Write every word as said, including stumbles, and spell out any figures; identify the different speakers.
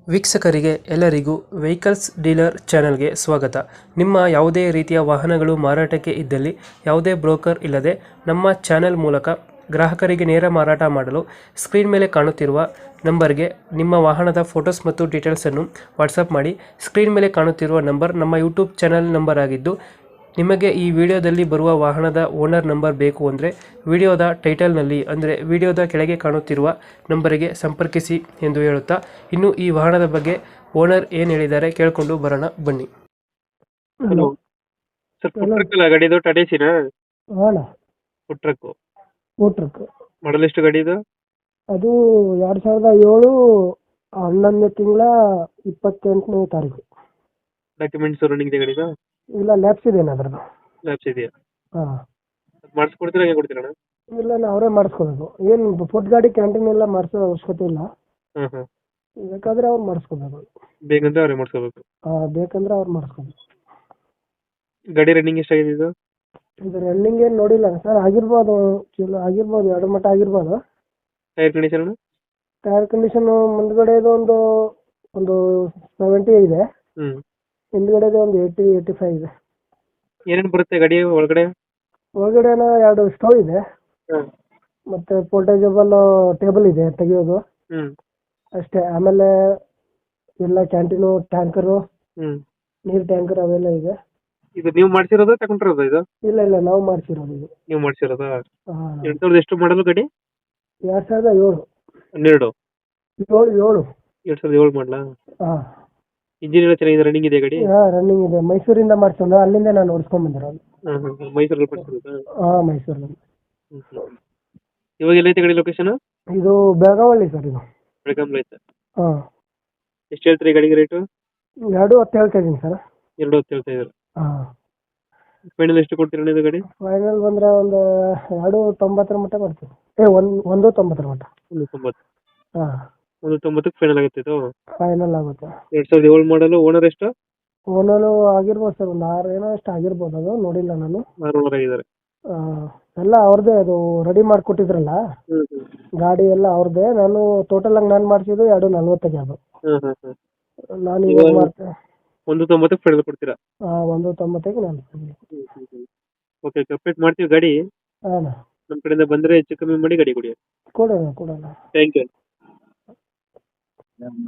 Speaker 1: ವೀಕ್ಷಕರಿಗೆ ಎಲ್ಲರಿಗೂ vehicles dealer ಚಾನೆಲ್ಗೆ ಸ್ವಾಗತ. ನಿಮ್ಮ ಯಾವುದೇ ರೀತಿಯ ವಾಹನಗಳು ಮಾರಾಟಕ್ಕೆ ಇದ್ದಲ್ಲಿ ಯಾವುದೇ ಬ್ರೋಕರ್ ಇಲ್ಲದೆ ನಮ್ಮ ಚಾನೆಲ್ ಮೂಲಕ ಗ್ರಾಹಕರಿಗೆ ನೇರ ಮಾರಾಟ ಮಾಡಲು ಸ್ಕ್ರೀನ್ ಮೇಲೆ ಕಾಣುತ್ತಿರುವ ನಂಬರ್ಗೆ ನಿಮ್ಮ ವಾಹನದ ಫೋಟೋಸ್ ಮತ್ತು ಡೀಟೇಲ್ಸನ್ನು ವಾಟ್ಸಪ್ ಮಾಡಿ. ಸ್ಕ್ರೀನ್ ಮೇಲೆ ಕಾಣುತ್ತಿರುವ ನಂಬರ್ ನಮ್ಮ ಯೂಟ್ಯೂಬ್ ಚಾನೆಲ್ ನಂಬರ್ ಆಗಿದ್ದು, ನಿಮಗೆ ಈ ವಿಡಿಯೋದಲ್ಲಿ ಬರುವ ವಾಹನದ ಓನರ್ ನಂಬರ್ ಬೇಕು ಅಂದರೆ ವಿಡಿಯೋದ ಟೈಟಲ್ನಲ್ಲಿ ಅಂದರೆ ವಿಡಿಯೋದ ಕೆಳಗೆ ಕಾಣುತ್ತಿರುವ ನಂಬರಿಗೆ ಸಂಪರ್ಕಿಸಿ ಎಂದು ಹೇಳುತ್ತಾ, ಇನ್ನು ಈ ವಾಹನದ ಬಗ್ಗೆ ಓನರ್ ಏನು ಹೇಳಿದ್ದಾರೆ ಕೇಳಿಕೊಂಡು ಬರೋಣ ಬನ್ನಿ.
Speaker 2: ಹಲೋ ಸರ್, ಫುಡ್ ಟ್ರಕ್ ಅಲ್ಲ ಗಾಡಿದು? ಟಾಟಾ ಏಸಿನಾ?
Speaker 3: ಹಾಂ
Speaker 2: food truck
Speaker 3: food truck.
Speaker 2: Model ಎಷ್ಟು ಗಾಡಿದು?
Speaker 3: ಅದು ಎರಡು ಸಾವಿರದ ಏಳು ಹನ್ನೊಂದನೇ ತಿಂಗಳ ಇಪ್ಪತ್ತೆಂಟನೇ ತಾರೀಕು.
Speaker 2: ಡಾಕ್ಯುಮೆಂಟ್ಸ್ ರನ್ನಿಂಗ್ ಇದೆ ಗಾಡಿದು?
Speaker 3: ಇಲ್ಲ, ಲ್ಯಾಬ್ಸ್ ಇದೇನು ಅದ್ರದ್ದು?
Speaker 2: ಲ್ಯಾಬ್ಸ್ ಇದೆಯಾ?
Speaker 3: ಹಾಂ.
Speaker 2: ಮಾಡಿಸ್ಕೊಡ್ತೀರಾ, ಹೇಗೆ ಕೊಡ್ತೀರಾ ಅಣ್ಣ?
Speaker 3: ಇಲ್ಲ, ನಾ ಅವರೇ ಮಾಡಿಸ್ಕೋಬೇಕು. ಏನು ಫುಡ್ ಗಾಡಿ ಕ್ಯಾಂಟೀನ್ ಎಲ್ಲ ಮಾಡಿಸೋ ಅವಶ್ಯಕತೆ ಇಲ್ಲ.
Speaker 2: ಹಾಂ ಹಾಂ
Speaker 3: ಬೇಕಾದರೆ ಅವ್ರು ಮಾಡಿಸ್ಕೋಬೇಕು.
Speaker 2: ಬೇಕಂದ್ರೆ ಅವರೇ ಮಾಡಿಸ್ಕೋಬೇಕು.
Speaker 3: ಹಾಂ, ಬೇಕಂದ್ರೆ ಅವ್ರು ಮಾಡಿಸ್ಕೋಬೇಕು.
Speaker 2: ಗಾಡಿ ರನ್ನಿಂಗ್ ಎಷ್ಟಾಗಿದೆ ಇದು?
Speaker 3: ಇದು ರನ್ನಿಂಗ್ ಏನು ನೋಡಿಲ್ಲ ಸರ್, ಆಗಿರ್ಬೋದು, ಚಲೋ ಆಗಿರ್ಬೋದು, ಎರಡು ಮಟ್ಟ ಆಗಿರ್ಬೋದು.
Speaker 2: ಟೈರ್ ಕಂಡೀಷನ್ ಅಣ್ಣ?
Speaker 3: ಟೈರ್ ಕಂಡೀಷನು ಮುಂದ್ಗಡೆದು ಒಂದು ಒಂದು ಸೆವೆಂಟಿ ಇದೆ,
Speaker 2: ಹ್ಞೂ.
Speaker 3: ಹಿಂದ್ಗಡೆದು ಒಂದು ಏಯ್ಟಿ ಏಯ್ಟಿ ಫೈವ್ ಇದೆ.
Speaker 2: ಏನೇನು ಬರುತ್ತೆ ಗಾಡಿ ಒಳಗಡೆ?
Speaker 3: ಒಳಗಡೆನ ಎರಡು ಸ್ಟವ್ ಇದೆ,
Speaker 2: ಹಾಂ.
Speaker 3: ಮತ್ತು ಪೋರ್ಟೇಜಬಲ್ ಟೇಬಲ್ ಇದೆ ತೆಗಿಯೋದು
Speaker 2: ಹ್ಞೂ
Speaker 3: ಅಷ್ಟೇ. ಆಮೇಲೆ ಎಲ್ಲ ಕ್ಯಾಂಟೀನು, ಟ್ಯಾಂಕರು,
Speaker 2: ಹ್ಞೂ.
Speaker 3: ನೀರು ಟ್ಯಾಂಕರ್ ಅವೆಲ್ಲ ಇದೆ.
Speaker 2: ಇದು ನೀವು ಮಾಡಿಸಿರೋದು ತಗೊಂಡಿರೋದು ಇದು?
Speaker 3: ಇಲ್ಲ ಇಲ್ಲ, ನಾವು ಮಾಡಿಸಿರೋದು ಇದು.
Speaker 2: ನೀವು ಮಾಡಿಸಿರೋದಾ?
Speaker 3: ಹಾಂ,
Speaker 2: ಎರಡು ಸಾವಿರದ ಎಷ್ಟು ಮಾಡಲು ಗಾಡಿ?
Speaker 3: ಎರಡು ಸಾವಿರದ ಏಳು
Speaker 2: ಹನ್ನೆರಡು
Speaker 3: ಏಳು ಏಳು
Speaker 2: ಎರಡು ಸಾವಿರದ ಏಳು ಮಾಡಲಾ?
Speaker 3: ಹಾಂ.
Speaker 2: ಇಂಜಿನ್ ಎಲ್ಲ ಚೆನ್ನಾಗಿದೆ, ರನ್ನಿಂಗ್ ಇದೆ ಗಾಡಿ?
Speaker 3: ಹಾಂ, ರನ್ನಿಂಗ್ ಇದೆ. ಮೈಸೂರಿಂದ ಮಾಡಿಸೋದು, ಅಲ್ಲಿಂದ ನಾನು ಓಡಿಸ್ಕೊಂಡ್ಬಂದಿರೋದು.
Speaker 2: ಹಾಂ ಹಾಂ ಮೈಸೂರಲ್ಲಿ ಮಾಡಿಸಿರೋದಾ?
Speaker 3: ಹಾಂ, ಮೈಸೂರಲ್ಲಿ.
Speaker 2: ಹ್ಞೂ ಹ್ಞೂ. ಇವಾಗ ಎಲ್ಲೈತೆ ಗಾಡಿ ಲೊಕೇಶನ್?
Speaker 3: ಇದು ಬೆಳಗಾವಳ್ಳಿ ಸರ್ ಇದು.
Speaker 2: ಬೆಳಗಾಂಲಿ ಐತೆ.
Speaker 3: ಹಾಂ.
Speaker 2: ಎಷ್ಟು ಹೇಳ್ತೀರಿ ಗಾಡಿಗೆ ರೇಟು?
Speaker 3: ಎರಡು ಹೊತ್ತು ಹೇಳ್ತಾ ಇದ್ದೀನಿ ಸರ್.
Speaker 2: ಎರಡು ಹೊತ್ತು ಹೇಳ್ತಾ ಇದ್ದಾರೆ.
Speaker 3: ಹಾಂ.
Speaker 2: ಫೈನಲ್ ಎಷ್ಟು ಕೊಡ್ತೀರಾ ಇದು ಗಾಡಿ?
Speaker 3: ಫೈನಲ್ ಬಂದರೆ ಒಂದು ಎರಡು ತೊಂಬತ್ತರ ಮಟ್ಟ ಮಾಡ್ತೀವಿ. ಏ ಒಂದು ಒಂದು ತೊಂಬತ್ತರ ಮಟ್ಟ.
Speaker 2: ಒಂದು ತೊಂಬತ್ತು.
Speaker 3: ಹಾಂ,
Speaker 2: ಒಂದು ತೊಂಬತ್ತಕ್ಕೆ ಫೈನಲ್ ಆಗುತ್ತೆ ಇದು?
Speaker 3: ಫೈನಲ್ ಆಗುತ್ತೆ.
Speaker 2: ಎರಡು ಸಾವಿರದ ಏಳು ಮಾಡಲು. ಓನರ್ ಎಷ್ಟು?
Speaker 3: ಓನರು ಆಗಿರ್ಬೋದು ಸರ್, ಒಂದು ಆರು ಏನೋ ಎಷ್ಟು ಆಗಿರ್ಬೋದು, ಅದು ನೋಡಿಲ್ಲ ನಾನು.
Speaker 2: ಆರು ಓನರ್ ಆಗಿದ್ದಾರೆ.
Speaker 3: ಹಾಂ, ಎಲ್ಲ ಅವ್ರದ್ದೇ. ಅದು ರೆಡಿ ಮಾಡಿಕೊಟ್ಟಿದ್ರಲ್ಲ
Speaker 2: ಹ್ಞೂ ಹ್ಞೂ
Speaker 3: ಗಾಡಿ ಎಲ್ಲ ಅವ್ರದ್ದೇ. ನಾನು ಟೋಟಲಾಗಿ ನಾನು ಮಾಡಿಸಿದ್ದು ಎರಡು ನಲ್ವತ್ತಿಗೆ. ಅದು
Speaker 2: ಹಾಂ ಹಾಂ ಹಾಂ
Speaker 3: ನಾನು ಇವಾಗ
Speaker 2: ಇವಾಗ
Speaker 3: ಮಾಡ್ತೇನೆ.
Speaker 2: ಒಂದು ತೊಂಬತ್ತಕ್ಕೆ ಫೈನಲ್ ಕೊಡ್ತೀರಾ?
Speaker 3: ಹಾಂ, ಒಂದು ತೊಂಬತ್ತಿಗೆ ನಾನು.
Speaker 2: ಹ್ಞೂ ಹ್ಞೂ ಹ್ಞೂ ಓಕೆ, ಕಂಪ್ಲೀಟ್ ಮಾಡ್ತೀವಿ ಗಾಡಿ.
Speaker 3: ಹಾಂ,
Speaker 2: ನಮ್ಮ ಕಡೆಯಿಂದ ಬಂದರೆ ಹೆಚ್ಚು ಕಮ್ಮಿ ಮಾಡಿ ಗಾಡಿ ಕೊಡಿ.
Speaker 3: ಕೊಡೋಣ ಕೊಡೋಣ.
Speaker 2: Thank you.